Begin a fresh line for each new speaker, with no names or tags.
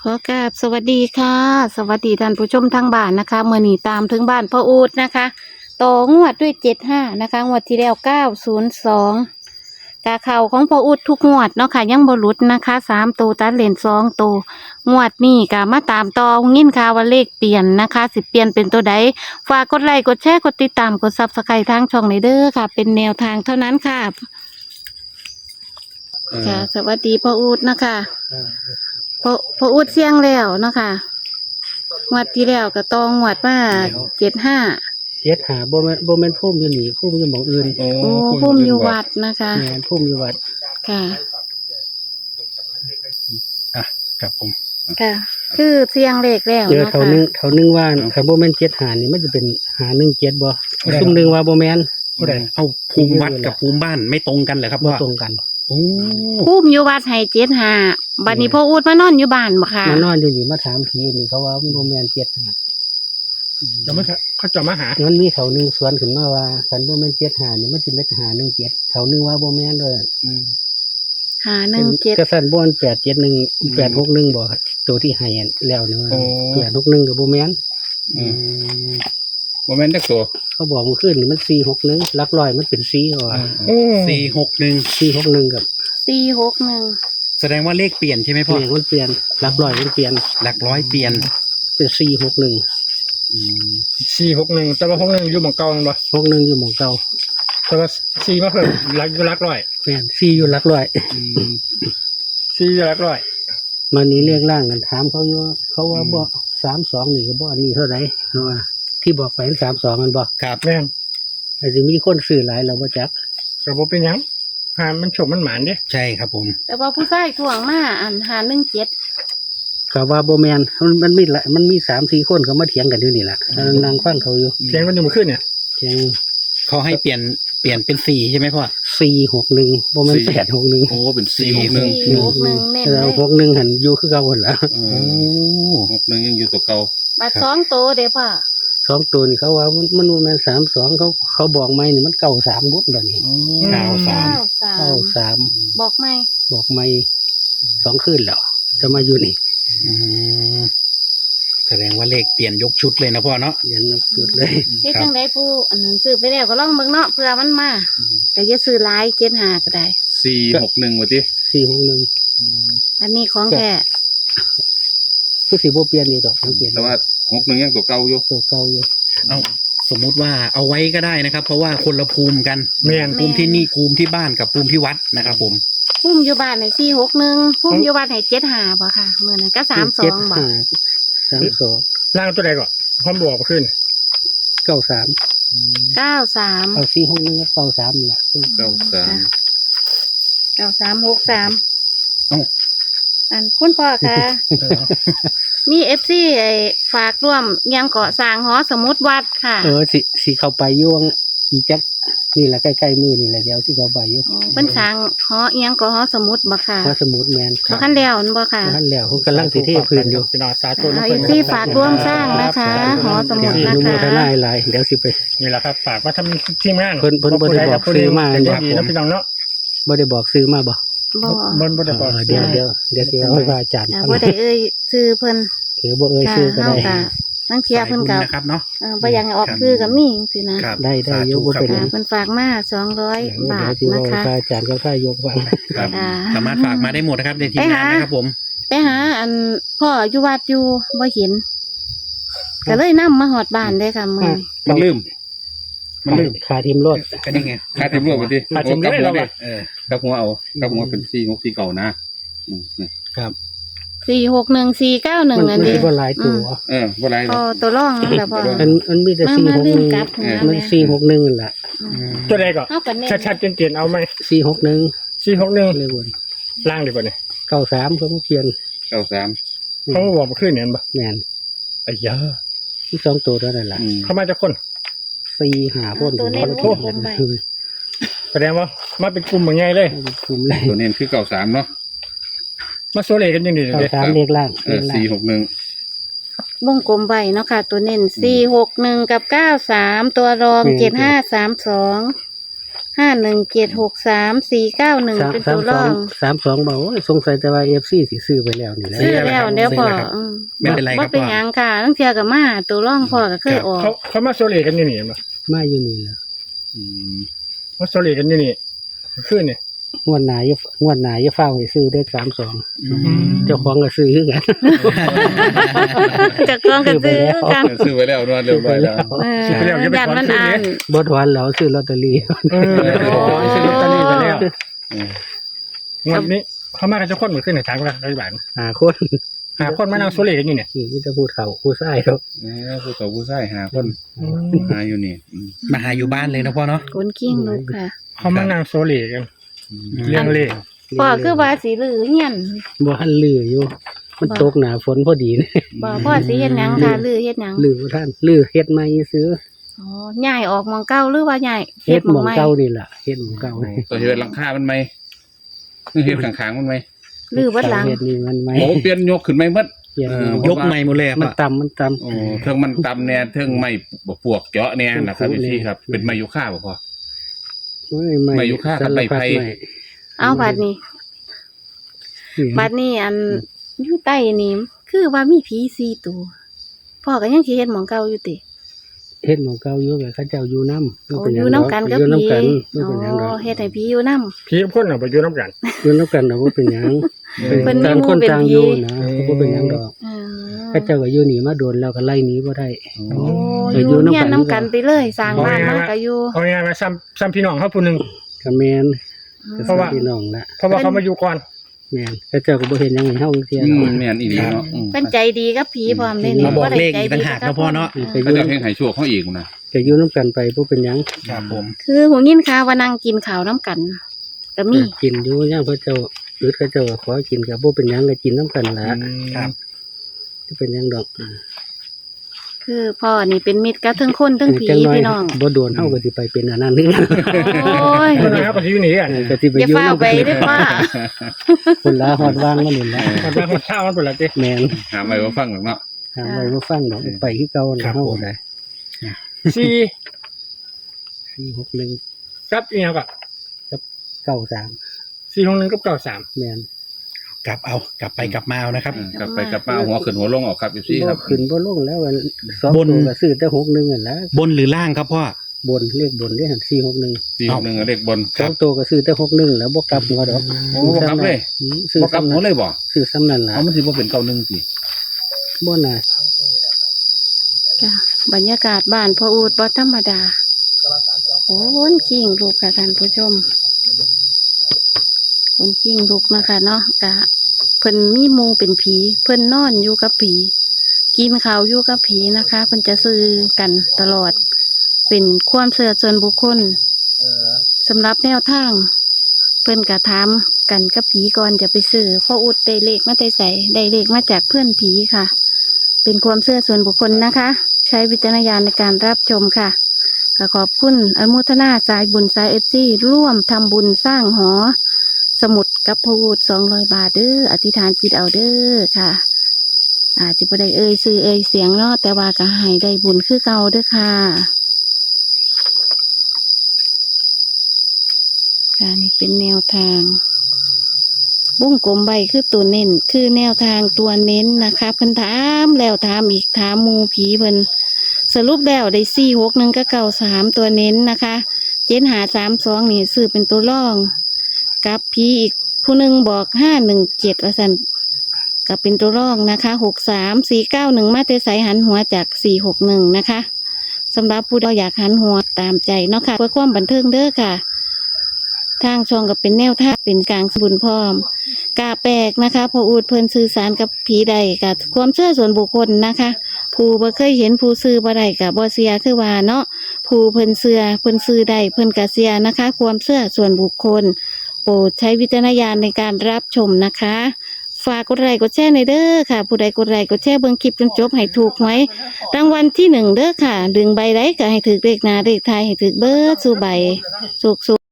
ขอกราบสวัสดีค่ะ สวัสดีท่านผู้ชมทางบ้านนะคะเมื่อนี้ตามถึงบ้านพ่ออูดนะคะต่องวดด้วย75นะคะงวดที่แล้ว902กาเข่าของพ่ออูดทุกงวดเนาะค่ะยังบ่หลุดนะคะ3ตัวตัดเลน2ตัวงวดนี้ก็มาตามต่อยินข่าวว่าเลขเปลี่ยนนะคะสิเปลี่ยนเป็นตัวใดฝากกดไลค์กดแชร์กดติดตามกด Subscribe ทางช่องนี้เด้อค่ะ เป็นแนวทางเท่านั้นค่ะค่ะสวัสดีพ่ออูดนะคะพออุดเสียงแล้วเนาะค่ะงวดที่แล้วก็ต้องงวดมา75
เจ็ดหาบ่แม่นพุ่มอยู่นี่พุ่มอยู่หม้องอื่น
โอ้พุ่มอยู่วัดนะคะ
แม่นพุ่มอยู่วัด
ค่ะ
ครับผม
ค่ะคือเสียงเลขแล้ว
เจอ
เนาะ
เขา
ค่ะ
นึงว่าคันบ่แม่น7หานี่มันจะเป็นหา17บ่ซุ่มนึงว่าบ่แม่น
เอาภูมิวัดกับภูมิบ้านไม่ตรงกันเหรอครับ
บ่
ว่า
ตรงกัน
โอ้
พุ่มอยู่วัดให้75บัดนี้พ่ออุดมานอนอยู่บ้านบ่ค่ะ
มานอนอยู่นี่มาถามผีนี่เขาว่าบ่แม่น7หา
จะไม่เขาจะมาหา
มันมีเขานึงสวนขึ้นมาว่าคันบ่แม่น7หานี่มันสิเป็นหา17เขานึงว่าบ่แม่นเด้อ
517
ก็สั่นบ่มัน871 861บ่ตัวที่ให้แล้วนี่ว่า861ก็บ่แม่น
โมเมนต์เด็กตัว
เขาบอกเมื่อคืนนี่มัน461หลักร้อยมันเป็น4เขาว่า
461
461กับ
461
แสดงว่าเลขเปลี่ยนใช่ไหมพ่อ
เนี่ยมันเปลี่ยนหลักร้อยมันเปลี่ยน
หลักร้อยเปลี่ยน
เป็น461
461แต่ว่า61อยู่หม่องเก่าแม่นบ่
61อยู่หม่องเก่า
แต่ว่า4มาเพิ่มหลักร้อย
แม่น4อยู่หลักร้อย
4อยู่หลักร้อย
มานี้เรียกร่างกันถามเขาอยู่เขาว่าบ่32นี่ก็บ่อันนี้เท่าไหร่เพราะว่าที่บอกไป32มันบ่
ครับ
แม่น
อาจจะมีคนซื้อหลายแล้วบ่จัก
ก็บ่เป็นหยังหามันโชคมันหมานเด้
ใช่ครับผม
แต่ว่าผู้ชายถ่วงมาอัน517
ก็ว่าบ่แม่นมันมีหลายมันมี3-4คนเขามาเถียงกันอยู่นี่ล่ะนั่งฟังเขาอยู่
เพียงมันอยู่เมื่อคืนเนี่ย
เถียง
เขาให้เปลี่ยนเป็น4ใช่ไหมพ่อ
461บ่แม่น861
โอ้เป็น461
461เน้น
แล้
เล
วย61หันอยู่คือเก่าหั่นล่ะ
โอ้61ยังอยู่ตัวเก่า
บัด2ตัวเด้อพ่อ
สองตัวนี่เขาว่ามันบ่แม่น32เขาบอกไหมนี่มัน93บุดบัดนี้
93
93
บอกไหม
บอกไม่2คืนแล้วจะมาอยู่นี่
แสดงว่าเลขเปลี่ยนยกชุดเลยนะพ่อเนาะ
ยันสุดเลย
เฮ็ดจังไดผู้อันนั้นซื้อไปแล้วก็ลองเบิ่งเนาะเผื่อมันมาก็อย่าซื้อหลาย75ก็ได้
461ว่าติ
461
อันนี้ของแท้
คือสิบ่เปลี่ยนนี่ดอกสังเกต
แต่ว่า61ยังตัวเก่าอยู่
ตัวเก่าอยู่
เอาสมมุติว่าเอาไว้ก็ได้นะครับ เพราะว่าคนละภูมิกัน
แม่น
ภูมิที่นี่ภูมิที่บ้านกับภูมิที่วัดนะครับผม
พุ่มอยู่บ้านให้461พุ่มอยู่บ้านให้75บ่ค่ะมื้อนั้นก็32บ่
32
ล่างตัวใดก่อนพร้อมบอกเมื่อคืน
93
93
เอา461กับ93นี่ล่ะ
93
9363
เอ้า
อันคุณพ่อคะมีFC ไอ้ฝากร่วมยังเกาะสร้างหอสมุดวัดค่ะ
สิเข้าไปอยู่วังอีจักนี่ล่ะใกล้ๆมือนี่แหละเดี๋ยวสิเข้าไปอยู่
เพิ่นสร้างหอเอียงเกาะหอสมุดบ่ค่ะ
พระสมุทรแม่น
บ่คันแล้วนั่นบ่ค่ะ
ท่านแล้วเขากำลังสิเทพื้นอยู่
พี่น้องสาธุ
เอาFC ฝากร่วมสร้างนะคะ หอสมุด
อ
นะ
นุโม
คะ
ทนาหลายเดี๋ยวสิไป
นี่แหละครับฝากมาทำทีมงาน
เพิ่นบ่ได้บอกซื้อมา
เป็นดีนะพี่น้องเนาะ
บ่ได้บอกซื้อมาบ่
บ่
บ่ได้บอก
เดี๋ยวสิเอาให้พระอาจารย์
อ่า
ฟัง
บ่ได้เอ่ยชื่อเพิ่น
ถือบ่เอ่ย
ค่ะ
ชื่อก็
เฮา
ได้
ก็นังเที่ยเพิ่นก็
สายบุญนะครับเนาะ
บ่อยากให้ออกชื่อก็มีจังซี่นะครับ
ได้อยู่บ่เป็นห
อ่า
ยัง
เพิ่นฝากมา200 บาท
เดี๋ยวสิ
นะ
เอาให้
คะ
พระอาจารย์ก็ค่ายกฟัง
ครับ
อ่า
สามารถฝากมาได้หมดนะครับในทีมงานนะครับผม
ไปหาอันพ่ออยู่วัดอยู่บ่เห็นก็เลยนำมาฮอดบ้านเลยค่ะมื้อนี้
มันลืม
ขาทีมรถ
ก็นี่ไง
คาดเต็มรวบไปดิ
อาจจะไม่ได้เราอะ
กับหัวเอากับหัวเป็น464เก่านะนี่
461 491
มัน
อัน
มัน
นี้
สิบ่หลายตัว
บ่ไรหร
พ
อ
อกตัวรองนั่นแหละพ่อ
มันมีแต่
มาลืมกลับ
461
หัว
มัน
แม่
461นั่นล่ะ
ตัวใดก่อน
เฮาก็เน้น
ชัดๆเจนๆเอาไหม
461
461
เลยวน
ล่างดีกว่านี่
93เขาบ่เปลี่ยน
93
เขาบอกเมื่อคืนเนี่ยบ่
แม่น
ไอ้ยา
มีสองตัวเท่านั้นล่ะ
เขามาจากคน
4-5คน
ตัวเน้น
ทุก
วงไป
แสดงว่ามาเป็นกลุ่มเหมือนไงเลย
กลุ่มเลย
ตัวเน้นคือ93เนาะ
มาโซเลกันยังดีเลย
93เลขล่าง
461
วงกลมไว้เนาะค่ะ ตัวเน้น461กับ93ตัวรอง7532 51763491เป็นตัวรอง
32บอกโอ้ยสงสัยแต่ว่า FC สิซื้อไปแล้วนี่แหละ
ซื้อแล้วเดี๋ยวพอ
ไม่เป็นไรครับ
บ่เป็น
พ่อ
หยังค่ะตั้งเทื่อก็มาตัวรองพ่อก็เคยออก
เขามาโซเลกันอยู่นี่มั้ย
มาอยู่นี่แหละ
อืม
มาโซเลกันอยู่นี่ขึ้นนี่
งวดหน้าอย่าฟ้าวให้ซื้อได้32เจ้าของก็ซื้อคือกัน
จากกองกันซื้อกัน
ซื้อไว้แล้วนวดเรียบร้อยแล้ว
ยันมันอ่าน
บ่ถอนแล้วซื้อลอตเตอรี่
ซื้อลอตเตอรี่ไปแล้ว
อืม
งวดนี้เขามากันจะคนเหมือนขึ้นในทางละรัฐบาล
5คน
หาคนมานั่งโซเลกันอยู่เนี่ย
นี่มีแต่ผู้เฒ่าผู้ชายครับ
ผู้ต่อผู้ชายหาคนหาอยู่นี่อืม
มาหาอยู่บ้านเลยนะพ่อเนาะ
คนกิ้งลูกค่ะ
เขามานั่งโซเลกันเรื่องเลข
พ่อคือว่าสิลือเฮียน
บ่ทันลืออยู่ มันตกหน้าฝนพอดีนี่
บ่พ่อสิเฮ็ดหยังค่ะลือเฮ็ดหยัง
ลือบ่ทันลือเฮ็ดใหม่ซื้อ
อ๋อย้ายออกหมองเก่าหรือว่าย้าย
เฮ็ดหม่อง
ใหม่
เก่านี่ล่ะเฮ็ดหม่องเก่า
ตัวเฮ็ดหลังคามันไหมเฮ็ดข้างๆมันไหม
ลือวัดหลัง
เฮ็ดนี่มันไหม
โอ้เปลี่ยนยกขึ้นไหมหมด
เปลี่ยน
ยกใหม่หมดเลยอะ
มัน
พ่อ
ต่ำ
โอ้เทิงมันตำเนี่ยเทิงไม่ปวกเจาะเนี่ยนะครับพี่ครับเป็นไม้ยูคาบ่พอ
โอ้ย
ไม่ยุค่ากับใบไผ่
เอาบัดนี้ บัดนี้อันอยู่ใต้นี่คือว่ามีผี4ตัวพ่อก็ยังสิเฮ็ดหมองเก่าอยู่ติ
เฮ็ดหม่องเก่าอยู่กับเขาเจ้าอยู่นำ
โอ้อยู่นำกันกับ
อยู่
ผี
นำกันบ่
อ๋
เป็นหยังดอ
อก เฮ็ดให้ผีอยู่นำ
พี่คนเอาไปอยู่น้ำกัน
อยู่นำกันน่ะบ่เป็นหยัง
เพิ่นมี
ต่าง
หมู่
คน
เป็น
ต่าง
ผี
อยู่นะบ่เป็นหยังดอก
อ๋อ
เขาเจ้าก็อยู่หนีมาโดนแล้วก็ไล่หนีบ่ได้
โอ้อยู่เฮียนนำกันไปเลยสร้างบ้านมาก็อยู่
เอาง่ายๆมาซ้ำพี่น้องเขาผู้หนึง
ก็แม่น
เพราะว่า
พี่น้องละ
เพราะว่าเขามาอยู่ก่อน
แม่นเขาเจ้าก็บ่เห็นหยังให้เฮาเที่ย
แม่นอีหลีเนาะ
เพิ่นใจดีกับผีพร้อมเด้นี่
มาบอก
ได้
เลข
ใจ
อีกต่างหากนะพ่อเนาะ
ก็อ
ก็
ยู่
จะเพ่งให้ชั่วเขาอีกนะ
ก็อยู่นํกันไปบ่เป็นหยัง
ครับผม
คือหูยินข่าวว่านั่งกินข้าวนํกันก็มี
กินอยู่ย่างเขาเจ้าหรือเขาเจ้าก็ขอกินก็บ่เป็นหยังก็กินนํกันละ
ครับ
จะเป็นหยังดอก
คือพ่อนี่เป็นมิตรกับทั้งคนทั้งผี
จัหย
พี่น้อง
บ่โดนเฮาก็สิไปเป็นอันนั้นนึง
โอ้ย
คนนั้นเขาก็อยู่นี่กัน
ก็สิไป
อย่า
อยู่
เฝ้า
นํ
ไป
กัน
เด้อป้า
คนละฮอดวางมานี่ละ
คนนั้นคนข้าวมันเป็นอะไรจี
แม่น
หาไม่ว่าฟังหรอกเนาะ
หาไว้บ่ฟังดอกไปคือเก่าน่ะเฮาก็ได้
สี่
461
กับอีกอย่างก็
93
461กับ93
แม่น
กลับเอากลับไปกลับมาเอานะครับ
กลับไปกลับมาหัวขึ้นหัวลงออกครับพี่ครับ
ขึ้นบ่ลงแล้วอันสอง
บน
ตัวก็ซื้อแต่61นั่นล่ะ
บนหรือล่างครับพ่อบ
นเลขบนเลขหัน461
461เลขบน
สองตัวก็ซื้อแต่61แล้วบ่กลับหัวดอก
โอ้บ่กลับเลย
ซื้อ
บ่กลับหัวเลยบ่
ซื้อซ้ำนั่นล่ะ
เอามันสิบ่เป็น91สิ
บ่น่า
จ้ะบรรยากาศบ้านพ่ออูดบ่ธรรมดาโอ้คนกิ้งลูกค่ะท่านผู้ชมคนกิ้งลูกนะคะเนาะกะเพิ่นมีหมู่เป็นผีเพิ่นนอนอยู่กับผีกินข้าวอยู่กับผีนะคะเพิ่นจะซื้อกันตลอด เป็นความเชื่อส่วนบุคคลสำหรับแนวทาง เพิ่นกะถามกันกับผีก่อนจะไปซื้อพ่ออุดได้เลขมาแต่ใส่ได้เลขมาจากเพื่อนผีค่ะ เป็นความเชื่อส่วนบุคคลนะคะ ใช้วิจารณญาณในการรับชมค่ะก็ขอบคุณอนุโมทนาสายบุญสายร่วมทำบุญสร้างหอ สมุดกับพ่ออุด200 บาทเด้ออธิษฐานจิตเอาเด้อค่ะ อาจจะบ่ได้เอ่ยซื้อเอ่ยเสียงเนาะแต่ว่าก็ให้ได้บุญคือเก่าเด้อค่ะการนี่เป็นแนวทางวงกลมใบคือตัวเน้นคือแนวทางตัวเน้นนะคะเพิ่นถามแล้วถามอีกถามหมูผีเพิ่นสรุปแล้วได้461กับ93ตัวเน้นนะคะ7532นี่ซื้อเป็นตัวรองกับผีอีกผู้หนึงบอก517ว่าซั่นก็เป็นตัวรองนะคะ63491มาแต่ไสหันหัวจาก461นะคะสำหรับผู้ใดอยากหันหัวตามใจเนาะค่ะเพื่อความบันเทิงเด้อค่ะทางช่องก็เป็นแนวทางเป็นกลางบุญพร้อมกาแปลกนะคะพออูดเพิ่นสื่อสารกับผีใดกับความเชื่อส่วนบุคคลนะคะผู้บ่เคยเห็นผู้ซื้อบ่ได้กับบ่เสียคือว่าเนาะผู้เพิ่นเชื่อเพิ่นซื้อได้เพิ่นก็เสียนะคะ ความเชื่อส่วนบุคคล โปรดใช้วิจารณญาณในการรับชมนะคะฝากกดไลค์กดแชร์ในอยเด้อค่ะ ผู้ใดกดไลค์กดแชร์เบิ่งคลิปจนจบให้ถูกไว้รางวัลที่1เด้อค่ะดึงใบใดก็ให้ถึกเลขหน้าเลขท้ายให้ถึกเบิดสู่ใบสุก